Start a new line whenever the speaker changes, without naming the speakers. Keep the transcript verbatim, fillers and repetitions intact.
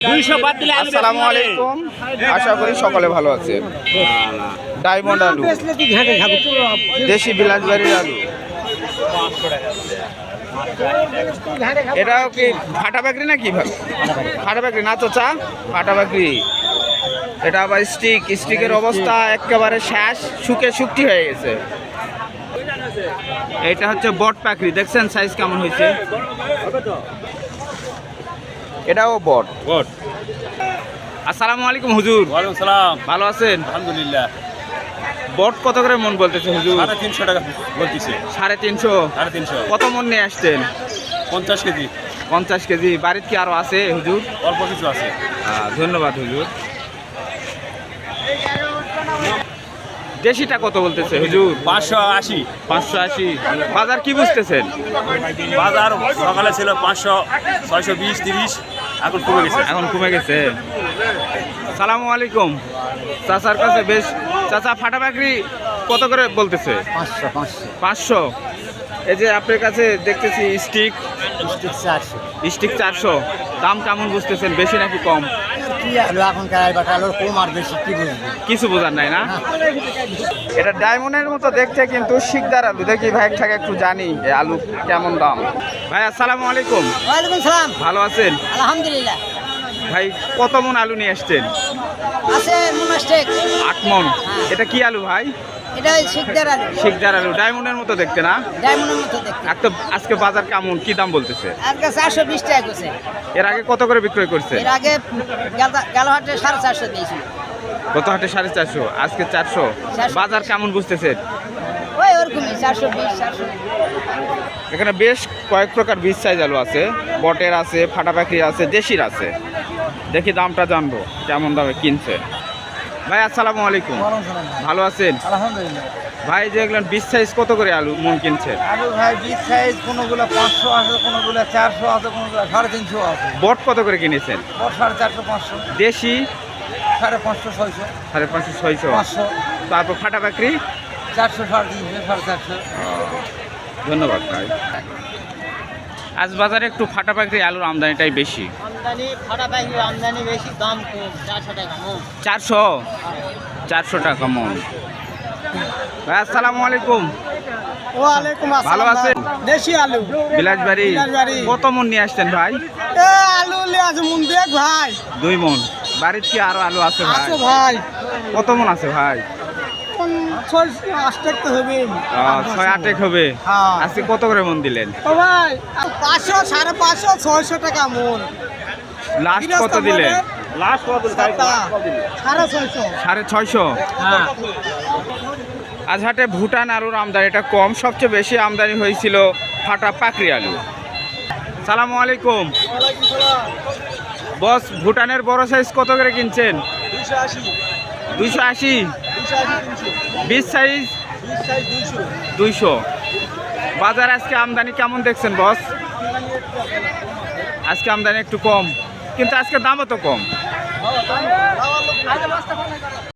আসসালামু আলাইকুম, আশা করি সকলে ভালো আছেন। ডায়মন্ড আলু, দেশি বিলাসবাড়ির আলু, এটাও কি ফাটা বাকরি নাকি? ফাটা বাকরি না তো চা, ফাটা বাকরি। এটা আবার স্টিক, স্টিকের অবস্থা একেবারে শেষ, শুকে শুকটি হয়ে গেছে। এটা হচ্ছে বট পাকড়ি, দেখছেন সাইজ কেমন হয়েছে? এটাও বট বট। আসসালামু আলাইকুম হুজুর।
ওয়ালাইকুম সালাম।
ভালো আছেন?
আলহামদুলিল্লাহ।
বট কত করে মন বলতেছে হুজুর?
সাড়ে তিনশো টাকা বলতেছে।
সাড়ে তিনশো।
সাড়ে তিনশো।
কত মন নিয়ে আসছেন?
পঞ্চাশ কেজি।
পঞ্চাশ কেজি। বাড়িতে কি আরো আছে হুজুর?
অল্প কিছু আছে।
আহ, ধন্যবাদ হুজুর। দেশিটা কত বলতেছে হুজুর?
পাঁচশো আশি।
পাঁচশো আশি। বাজার কি বুঝতেছেন?
বাজার সকালে ছিল পাঁচশো, ছয়শো বিশ, তিরিশ, এখন কমে গেছে।
এখন কমে গেছে। সালামু আলাইকুম। চাচার কাছে বেশ। চাচা ফাটা বাকরি কত করে বলতেছে?
পাঁচশো পাঁচশো
পাঁচশো। এই যে আপনার কাছে দেখতেছি স্টিক,
স্টিক চারশো।
স্টিক চারশো। দাম কেমন বুঝতেছেন, বেশি নাকি কম?
কি আলু এখনকার বাটা আলুর কম আর বেশি কি বুঝবো?
কিছু বোঝার নাই না? এটা ডায়মন্ডের মতো দেখতে, কিন্তু শিকদার আলু। দেখি ভাই থেকে একটু জানি এই আলু কেমন দাম। ভাই আসসালামু আলাইকুম।
ওয়ালাইকুম সালাম।
ভালো আছেন?
আলহামদুলিল্লাহ।
ভাই কত মন আলু নিয়ে আসছেন?
আছে মোনাস্টেক।
আট মন। এটা কি আলু ভাই?
এটা শিকদার আলু।
শিকদার আলু, ডায়মন্ডের মতো দেখতে না?
ডায়মন্ডের মতো দেখতে।
একটা আজকে বাজার কেমন, কি দাম বলতেছে?
আজকে চারশো বিশ টাকা করছে।
এর আগে কত করে বিক্রয় করছে?
এর আগে গেল হাটে সাড়ে চারশো দিয়েছিল।
গত হাটে সাড়ে চারশো, আজকে চারশো। বাজার কেমন বুঝতেছেন?
ওই ওরকমই চারশো বিশ চারশো।
এখানে বেশ কয়েক প্রকার বীজ সাইজ আলু আছে। বটের আছে, ফাটা পাখির আছে, দেশির আছে। দেখি দামটা জানবো কেমন দামে কিনছে। ভাই আসসালামু আলাইকুম। ভালো আছেন?
আলহামদুলিল্লাহ।
ভাই যেগুলো বীজ সাইজ কত করে আলু মন কিনছে?
আলু ভাই বিশ সাইজ, কোনোগুলো পাঁচশো আছে, কোনোগুলো চারশো আছে, কোনোগুলো সাড়ে তিনশো আছে।
বট কত করে কিনেছেন?
ওর সাড়ে চারশো পাঁচশো।
দেশি
সাড়ে পাঁচশো ছয়শো।
সাড়ে পাঁচশো ছয়শো।
পাঁচশো।
তারপর ফাটা পাখি
চারশো সাড়ে তিনশো সাড়ে চারশো।
ধন্যবাদ ভাই। আজ বাজারে একটু ফাটা পাখি আলুর আমদানিটাই বেশি।
আমদানি ফাটা পাখি আমদানি বেশি, দাম কম, চারশো টাকা মন।
চারশো চারশো টাকা মন। ভাই আসসালামু আলাইকুম।
ওয়ালাইকুম আসসালাম।
ভালো আছেন?
দেশি আলু
বিলাসবাড়ি।
বিলাসবাড়ি।
কত মন নিয়ে আসছেন ভাই?
এ আলু নিয়ে আছে মন দেখ ভাই।
দুই মন। বাড়িতে কি আরো আলু আছে ভাই?
আছে ভাই।
কত মন আছে ভাই?
ছয় আষ্টেক তো হবে।
আহ, ছয় আটেক হবে।
হ্যাঁ।
আজকে কত করে মন দিলেন?
ও ভাই পাঁচশো সাড়ে পাঁচশো ছয়শো টাকা মন।
লাস্ট কত দিলেন?
লাস্ট কত?
সাড়ে ছয়শো।
সাড়ে ছয়শো।
হ্যাঁ।
আজ হাটে ভুটান আলুর আমদানিটা কম, সবচেয়ে বেশি আমদানি হয়েছিল ফাটা পাকড়ি আলু। সালামু আলাইকুম বস। ভুটানের বড় সাইজ কত করে কিনছেন? দুইশো আশি। বিশ সাইজ দুইশো। বাজার আজকে আমদানি কেমন দেখছেন বস? আজকে আমদানি একটু কম, কিন্তু আজকে দামও তো কম।